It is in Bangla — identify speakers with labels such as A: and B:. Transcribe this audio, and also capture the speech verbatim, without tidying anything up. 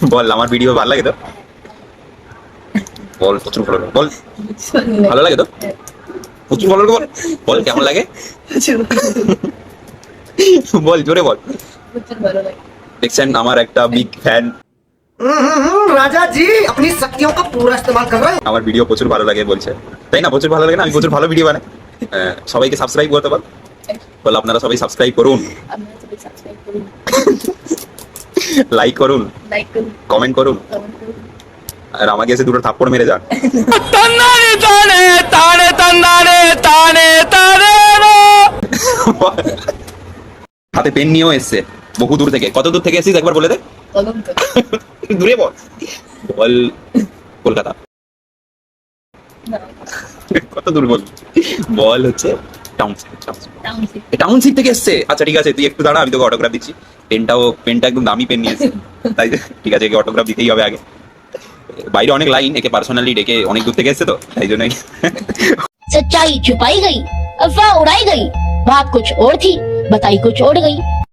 A: বল আমার ভিডিও ভালো লাগে তো? বল প্রচুর ভালো লাগে বল। ভালো লাগে তো? প্রচুর ভালো লাগে বল। বল কেমন লাগে? বল জোরে বল। দেখছেন আমার একটা বিগ ফ্যান।
B: राजा जी अपनी शक्तियों का पूरा इस्तेमाल कर रहे हैं।
A: আমার ভিডিও প্রচুর ভালো লাগে বলছে, তাই না? প্রচুর ভালো লাগে না? আমি প্রচুর ভালো ভিডিও বানাই। আহ, সবাইকে সাবস্ক্রাইব করতে বল। বল আপনারা সবাই সাবস্ক্রাইব করুন, লাইক করুন, কমেন্ট করুন, আর আমাকে এসে দুটো থাপ্পড় মেরে যান। হাতে পেন নিয়েও এসছে বহু দূর থেকে। কত দূর থেকে এসেছিস একবার বলে দে। দূরে বল। বল কলকাতা। কত দূর বল। বল হচ্ছে টাউনশিপ। টাউনশিপ থেকে এসছে। আচ্ছা ঠিক আছে, তুই একটু দাঁড়া, আমি তোকে অটোগ্রাফ দিচ্ছি। পেনটাও পেনটা একদম দামি পেন নিয়েছে, তাই ঠিক আছে, একে অটোগ্রাফ দিতেই হবে আগে। বাইরে অনেক লাইন, একে পার্সোনালি ডেকে অনেক দূর থেকে এসছে তো তাই জন্যই।
C: सच्चाई छुपाई गई, अफवाह उड़ाई गई, बात कुछ और थी, बताई कुछ और गई।